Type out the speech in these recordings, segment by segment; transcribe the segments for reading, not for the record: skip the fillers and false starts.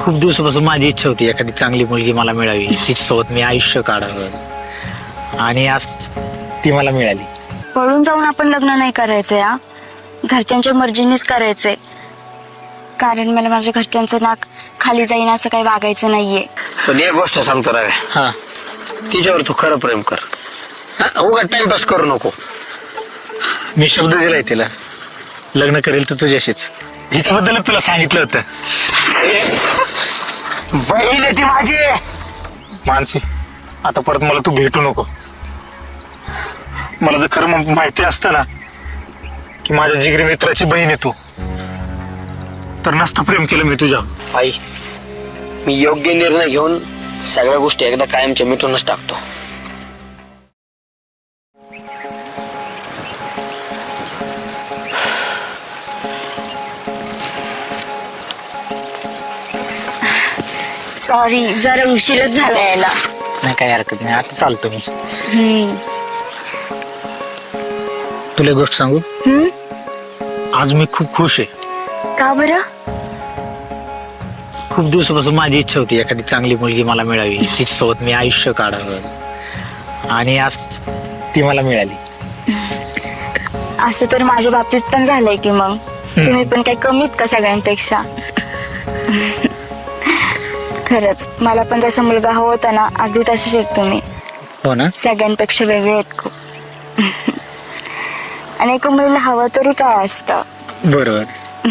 खूप दिवसापासून माझी इच्छा होती एखादी चांगली मुलगी मला मिळावी, तिच्यासोबत मी आयुष्य काढावं आणि आज ती मला मिळाली. पळून जाऊन आपण लग्न नाही करायचंय हा. घरच्यांच्या मर्जीनेच करायचंय. कारण मला माझ्या घरच्यांचं नाक खाली जाईन असं काही वागायचं नाहीये. पण एक गोष्ट सांगतो राव, हा, तिच्यावर तू खरं प्रेम कर. उगा टाइमपास करू नको. मी शब्द दिलाय तिला, लग्न करेल तर तुझ्याशीच. हिच्याबद्दलच तुला सांगितलं होतं. बहीण आहे ती माझी. मानसी, आता परत मला तू भेटू नको. मला जर खरं माहिती असतं ना की माझ्या जिगरी मित्राची बहीण आहे तू, तर नसतं प्रेम केलं मी तुझ्या. आई, मी योग्य निर्णय घेऊन सगळ्या गोष्टी एकदा कायमच्या मिटूनच टाकतो. सॉरी, जरा उशीरच झाला यायला. नाही काही हरकत नाही, आता चालतो मी. हम्म. तुला एक गोष्ट सांगू, हम्म? आज मी खूप खुश आहे. का बरं? खूप दिवसापासून माझी इच्छा होती एखादी चांगली मुलगी मला मिळावी, तिच्यासोबत मी आयुष्य काढावं आणि आज ती मला मिळाली. असं तर माझ्या बाबतीत पण झालंय की मग तुम्ही पण काही कमीत का सगळ्यांपेक्षा? खरंच मला पण जसा मुलगा हवा होता ना, अगदी तसेच आहेत तुम्ही. हो ना? सगळ्यांपेक्षा वेगळे आहेत खूप. आणि एका मुलीला हवं तरी काय असतं. बरोबर.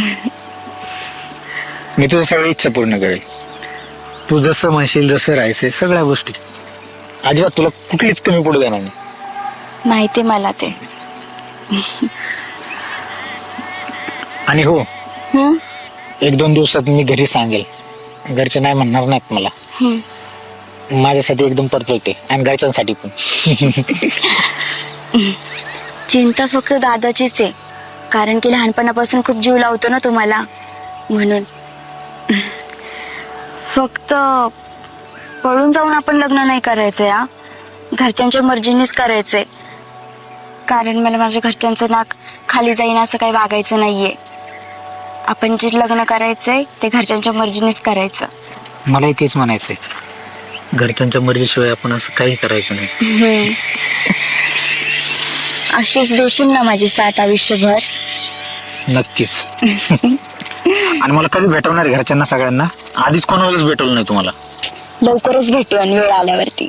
मी तुझ्या सगळ्या इच्छा पूर्ण करेल. तू जसं म्हणशील, जसं राहायचंय, सगळ्या गोष्टी. अजिबात तुला कुठलीच कमी पडू देणार नाही. माहिती मला ते. आणि हो, हम्म? 1-2 दिवसात मी घरी सांगेल. घरचे नाही म्हणणार नाहीत मला. माझ्यासाठी एकदम परफेक्ट आहे आणि घरच्यांसाठी पण. चिंता फक्त दादाचीच आहे, कारण की लहानपणापासून खूप जीव लावतो ना तुम्हाला, म्हणून. फक्त पळून जाऊन आपण लग्न नाही करायचंय हा. घरच्यांच्या मर्जीनेच करायचंय. कारण मला माझ्या घरच्यांचं नाक खाली जाईन असं काही वागायचं नाहीये. आपण जे लग्न करायचंय ते घरच्यांच्या मर्जीनेच करायचं. मलाही तेच म्हणायचंय. घरच्यांच्या मर्जीशिवाय आपण असं काही करायचं नाही. अशीच देशील ना माझी साथ आयुष्यभर? नक्कीच. आणि मला कधी भेटवणार आहे घरच्यांना सगळ्यांना? आधीच कोणालाच भेटवलं नाही तुम्हाला. लवकरच भेटू आणि वेळ आल्यावरती.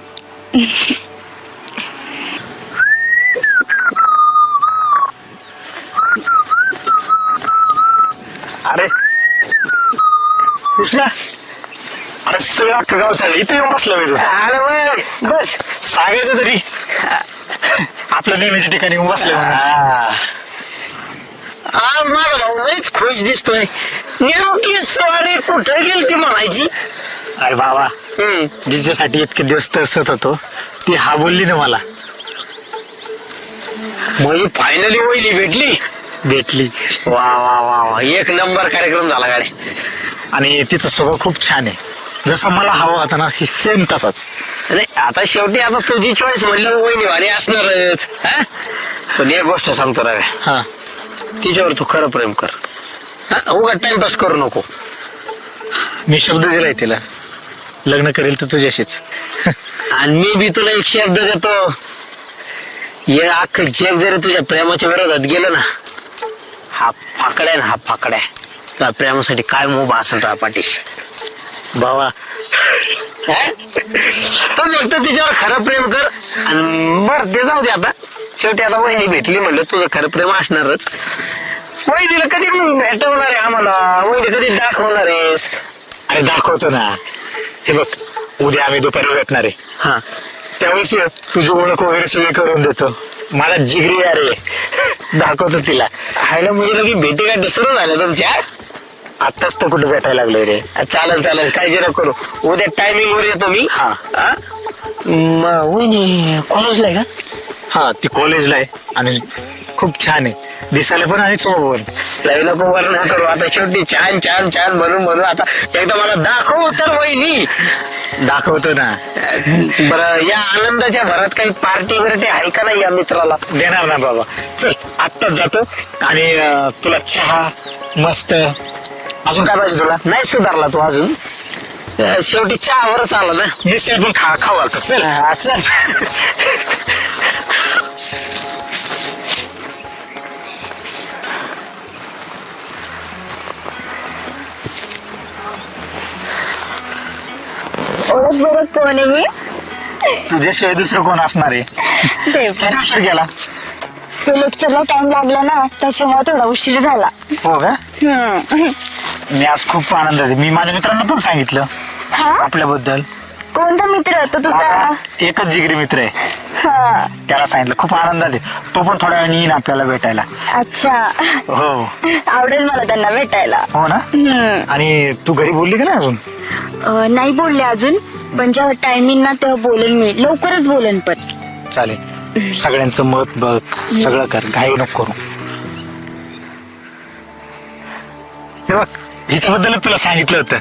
अरे कृष्णा, अरे सगळं अख्खं गाव चाललं, इथे येऊन बसलं मी. अरे वय, बस सांगायचं तरी आपल्या नेहमीच्या ठिकाणी येऊन बसले म्हणून. माझा भाऊ लईच खुश दिसतोय. नेमकी सवारी कुठे गेली ती म्हणायची. अरे बाबा, जिच्यासाठी इतके दिवस तरसत होतो ती हा बोलली ना मला. म्हणजे फायनली वहिनी भेटली. वा वा वा वा, एक नंबर कार्यक्रम झाला गाडी. आणि तिचा स्वभाव खूप छान आहे. जसा मला हवा होता ना, सेम तसाच. नाही आता शेवटी आता तुझी चॉईस म्हणली वहिनी वाणी असणारच. पण एक गोष्ट सांगतो राव, हा, तिच्यावर तू खरं प्रेम कर. उगा टाइमपास करू नको. मी शब्द दिलाय तिला, लग्न करेल तर तुझ्याशीच. आणि मी बी तुला एक शब्द देतो, हे अख्खं जग जरी तुझ्या प्रेमाच्या विरोधात गेलं ना, हा फाकड्या ना, हा फाकड्या त्या प्रेमासाठी काय मोबा असेल त्या पाठीशी. बाबा, तर फक्त तिच्यावर खरं प्रेम कर. आणि बर ते जाऊ दे आता. शेवटी आता वहिनी भेटली म्हणलं, तुझं खरं प्रेम असणारच. वहिनीला कधी भेटवणार आहे आम्हाला? वहिनी कधी दाखवणार आहेस? अरे दाखवतो ना. हे बघ, उद्या आम्ही दुपारी भेटणार आहे. हा, त्यावेळेस तुझी ओळख वगैरे सगळी करून देतो. मला जिगरी अरे दाखवतो तिला. हायला म्हणजे तुम्ही भेटी काय दुसरं झालं तुमच्या? आत्ताच तर कुठे भेटायला लागलोय रे. चालेल काळजी नको करू. उद्या टायमिंग वर येतो मी. हा, वहिनी कॉलेजला आहे का? हा, ती कॉलेजला आहे आणि खूप छान आहे दिसायला पण आणि स्वभाव पण. लय नको वर्णन करू आता. शेवटी छान छान छान म्हणून आता एकदा मला दाखव तर वहिनी. दाखवतो ना. बरं, या आनंदाच्या भरात काही पार्टी बिर्टी आहे का नाही या मित्राला? देणार ना बाबा. चल आत्ताच जातो आणि तुला चहा मस्त अजून काय पाहिजे तुला? नाही सुधारला तू अजून. शेवटी चहावरच आला ना. मिसळ पण खाऊ घालतो चल. हा, चल. ओळख बरं कोण आहे मी? तुझ्याशिवाय दुसरं कोण असणार आहे? किती उशीर गेला? ते लेक्चरला टाइम लागला ना, त्याच्यामुळे थोडा उशीर झाला. हो का? मी आज खूप आनंद आहे. मी माझ्या मित्रांना पण सांगितलं हा? आपल्याबद्दल. कोणता मित्र होता तुझा? माझा एकच जिगरी मित्र आहे, हा. त्याला सांगितलं. खूप आनंदात आहे. तो पण थोड्या वेळाने येईन आपल्याला भेटायला. अच्छा. हो. आवडेल मला त्यांना भेटायला. हो ना? आणि तू घरी बोलली का नाही अजून? नाही बोलले अजून, पण जेव्हा टायमिंग ना तेव्हा बोलेन मी. लवकरच बोलेन पण. चालेल. सगळ्यांचं मत बघ, सगळं कर, घाई नको करू. हे बघ, हिच्याबद्दलच तुला सांगितलं होतं.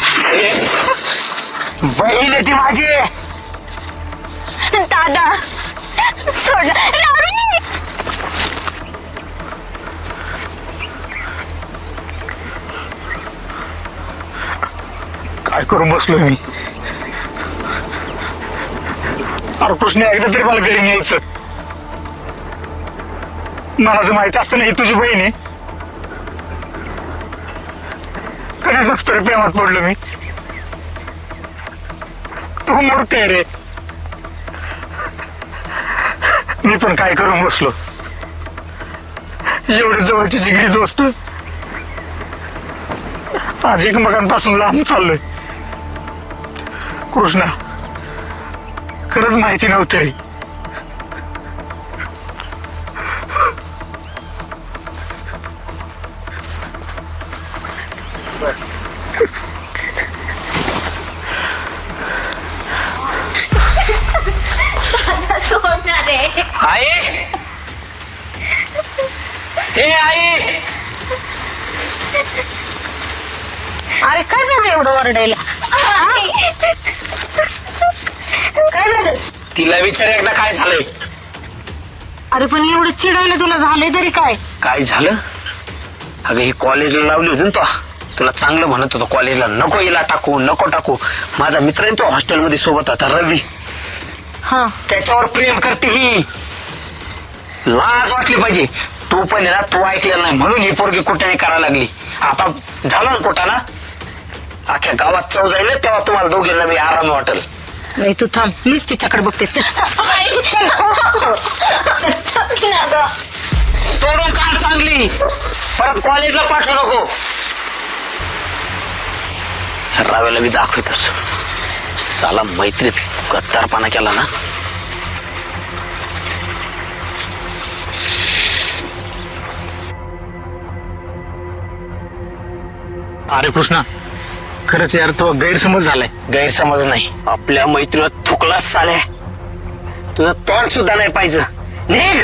बहीण आहे ती माझी. दादा सोड. रावी! काय करून बसलो मी? अरे कृष्ण, एकदा तरी मला घरी न्यायचं. मला जर माहिती असतं ना ही तुझी बहीण आहे, कधी नसतो रे प्रेमात पडलो मी. तू मूर्ख आहे रे. मी पण काय करून बसलो. एवढी जवळची जिगरी दोस्त आज एकमेकांपासून लांब चाललोय. कृष्णा, खरंच माहिती नव्हतं रे. सोडणार आहे. आई, हे आई. अरे काय झालं एवढं ओरडायला? काय झालं? तिला विचार एकदा काय झालंय. अरे पण एवढं चिडायला तुला झालंय तरी काय? काय झालं? अगं ही कॉलेजला लावली होती ना तो. तुला चांगलं म्हणत होतो कॉलेजला नको हिला टाकू, नको टाकू. माझा मित्र आहे तो हॉस्टेलमध्ये सोबत होता, रवी. हा. त्याच्यावर प्रेम करते ही. लाज वाटली पाहिजे. तू पण आहे ना, तू ऐकलेलं नाही म्हणून ही पोरगी कुठे करायला लागली. आता झालं ना कुठं अख्ख्या गावात चव जाईल तेव्हा तुम्हाला दोघींना मी आराम वाटेल. नाही तू थांब, मीच तिच्याकडे बघते. तोडून काढ चांगली, परत कॉलेजला पाठवू नको. रावेला मी दाखवतोच. साला मैत्रीत गद्दारपणा केला ना. अरे कृष्णा, खरंच यार तो गैरसमज झालाय. गैरसमज नाही, आपल्या मैत्रीवर थुकलाच साल्या. तुझं तोंड सुद्धा नाही पाहिजे. निघ.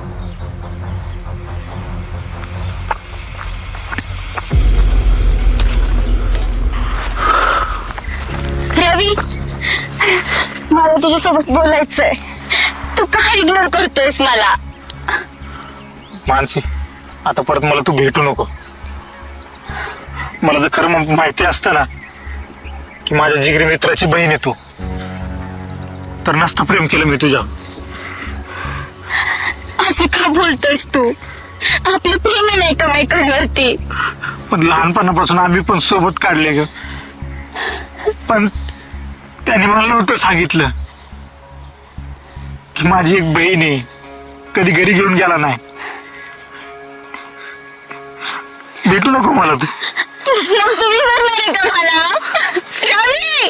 रवी, मला तुझ्यासोबत बोलायचंय. तू काय इग्नोर करतोयस मला? मानसी, आता परत मला तू भेटू नको. मला जर खरं माहिती असतं ना की माझ्या जिगरी मित्राची बहीण आहे तू, तर नसतं प्रेम केलं मी तुझ्या. असं का बोलतोयस तू? आपलं प्रेम नाही का मैत्रिणीवरती? पण लहानपणापासून आम्ही पण सोबत काढले ग. पण त्याने मला नव्हतं सांगितलं की माझी एक बहीण आहे, कधी घरी घेऊन गेला नाही. भेटू नको मला तू. मग तुम्ही करणार आहे का मला? रवी!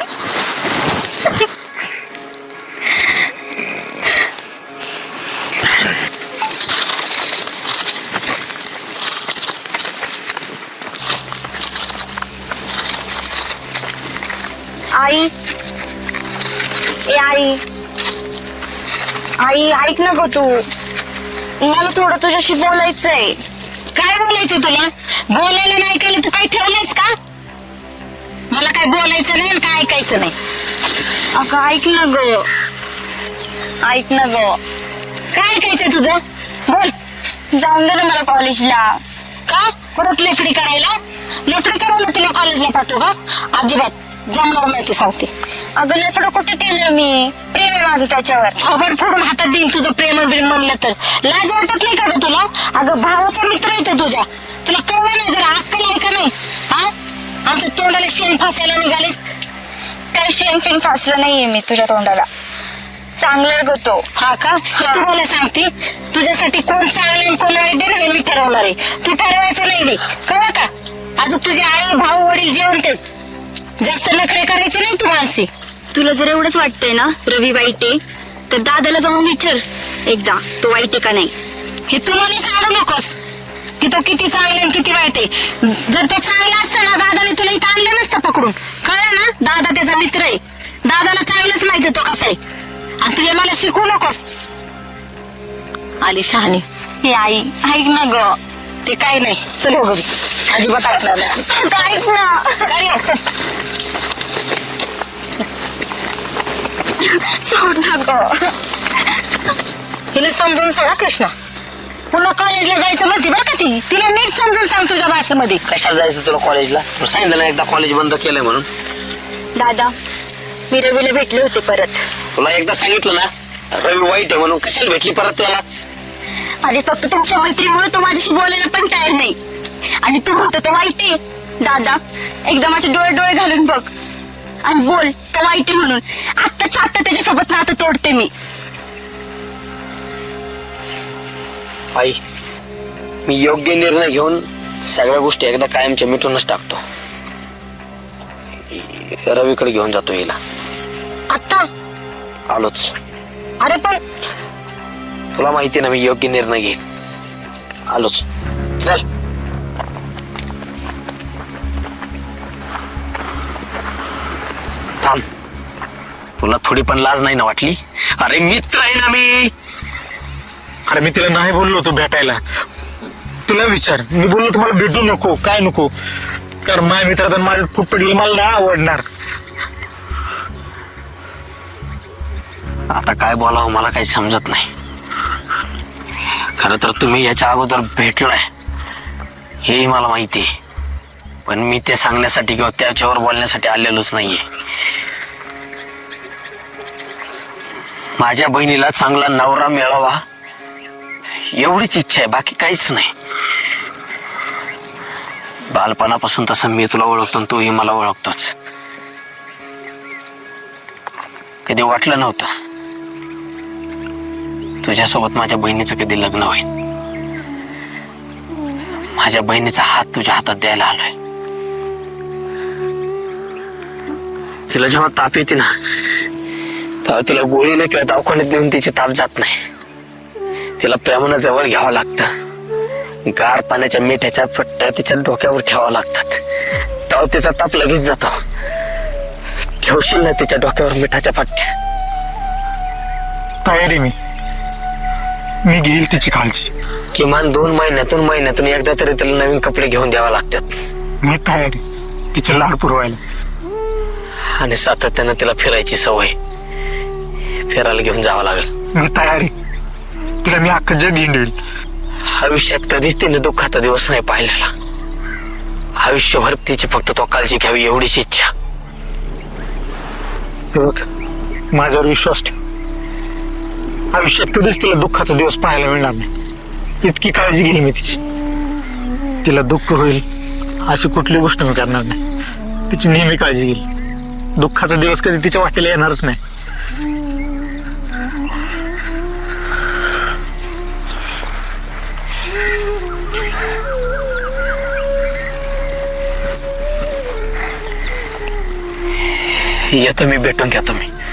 आई, ए आई, आई ऐक ना गं तू. मला थोडं तुझ्याशी बोलायचंय. काय बोलायचं तुला? बोलायला नाही केलं तू काही ठेवलंयस का? मला काय बोलायचं नाही आणि काय ऐकायचं नाही. अगं ऐक ना ग, ऐक ना ग. काय ऐकायचंय तुझं? बोल. जाऊन दे ना मला कॉलेजला. का? परत लेकडी करायला? लेफडी करून तिला कॉलेजला पाठवू का? अजिबात जमणार नाही ते सांगते. अगं लफडं कुठे केलं मी? प्रेम आहे माझं त्याच्यावर. खबर फोडून हातात देईन तुझं प्रेम बिल म्हणलं तर. लाज वाटत नाही का ग तुला? अगं भावाचा मित्र आहे तो तुझ्या. तुला कळलं नाही जरा अक्कल आहे का नाही? हा, आमच्या तोंडाला शेण फासायला निघालीस. काही शेण फिन फासलं नाहीये मी तुझ्या तोंडाला. चांगलं ग तो. हा का? हे तुम्हाला सांगते, तुझ्यासाठी कोण चांगलं आणि कोण वाईट आहे हे मी ठरवणार आहे. तू ठरवायचं नाही रे, कळलं का? अजून तुझे आई भाऊ वडील जेवण ते जास्त नखरे करायचे नाही तू मानसी. तुला जर एवढंच वाटतंय ना रवी वाईट आहे, तर दादाला जाऊन विचार एकदा तो वाईट आहे का नाही. हे तू मला सांगू नकोस की तो किती चांगला आणि किती वाईट आहे. जर तो चांगला असता ना दादाने तुला इथं आणलं नसतं पकडून. कळलं ना? दादा त्याचा मित्र आहे. दादाला चांगलंच माहिती तो कसा आहे. आणि तुझ्या मला शिकवू नकोस. आली शहाणी. हे आई ऐक ना ग. ते काय नाही, चल हो घरी. अजिबात ऐकणार नाही. ऐक ना. घरी ये, चल. सोड ना ग. हिला समजून सांगा कृष्णा. पुन्हा कॉलेजला जायचं म्हणते बरं का ती. तिला नीट समजून सांग तुझ्या भाषेमध्ये. कशाला जायचं तुला कॉलेजला? तुला सांगितलं ना एकदा कॉलेज बंद केलंय म्हणून. दादा मी रवीला भेटले होते परत. तुला एकदा सांगितलं ना रवी वाईट आहे म्हणून, कशाला भेटली परत त्याला? आणि फक्त तुमच्या मैत्रीमुळे तो माझ्याशी बोलायला पण तयार नाही. आणि तू म्हणतो तो वाईट आहे. दादा एकदा माझे डोळे घालून बघ आणि बोल तो वाईट आहे म्हणून. आत्ताच्या आत्ता त्याच्यासोबत नातं तोडते मी. आई, मी योग्य निर्णय घेऊन सगळ्या गोष्टी एकदा कायमच्या मिटूनच टाकतो. रवीकडे घेऊन जातो हिला. आता आलोच. अरे पण तुला माहिती ना मी योग्य निर्णय घेईन. आलोच. चल. थांब. तुला थोडी पण लाज नाही ना वाटली? अरे मित्र आहे ना मी. अरे मी तिला नाही बोललो होतो भेटायला. तुला विचार, मी बोललो तुम्हाला भेटू नको काय नको, कारण माझ्या मित्रात माझ्या फूट पडलेलं मला नाही आवडणार. आता काय बोलावं मला काही समजत नाही. खरं तर तुम्ही याच्या अगोदर भेटलाय हेही मला माहिती आहे, पण मी ते सांगण्यासाठी किंवा त्याच्यावर बोलण्यासाठी आलेलोच नाहीये. माझ्या बहिणीला चांगला नवरा मिळावा एवढीच इच्छा आहे, बाकी काहीच नाही. बालपणापासून तसं मी तुला ओळखतो आणि तूही मला ओळखतोच. कधी वाटलं नव्हतं तुझ्यासोबत माझ्या बहिणीचं कधी लग्न होईल. माझ्या बहिणीचा हात तुझ्या हातात द्यायला आलोय. तिला जेव्हा ताप येते ना तेव्हा तिला गोळीने किंवा दवाखान्यात नेऊन तिची ताप जात नाही. तिला प्रेमानं जवळ घ्यावं लागतं. गार पाण्याच्या मिठाच्या पट्ट्या तिच्या डोक्यावर ठेवावं लागतात, तेव्हा तिचा ताप लगेच जातो. ठेवशील ना तिच्या डोक्यावर मिठाच्या पट्ट्या? तयारी मी घेईल तिची काळजी. किमान 2 महिन्यातून एकदा तरी तिला नवीन कपडे घेऊन द्यावे लागतात. मी तयारी तिचे लाड पुरवायला. आणि सातत्यानं तिला फिरायची सवय, फिरायला घेऊन जावं लागेल. मी तयारी तिला मी अख्खं जग हिंडवेल. आयुष्यात कधीच तिने दुःखाचा दिवस नाही पाहिलेला. आयुष्यभर तिची फक्त तो काळजी घ्यावी एवढीच इच्छा. हे बघ, माझ्यावर विश्वास ठेव. आयुष्यात कधीच तिला दुःखाचा दिवस पाहायला मिळणार नाही. इतकी काळजी घेईल मी तिची. तिला दुःख होईल अशी कुठली गोष्ट मी करणार नाही. तिची नेहमी काळजी घेईल. दुःखाचा दिवस कधी तिच्या वाटेला येणारच नाही. येतो मी, भेटून घ्या तुम्ही.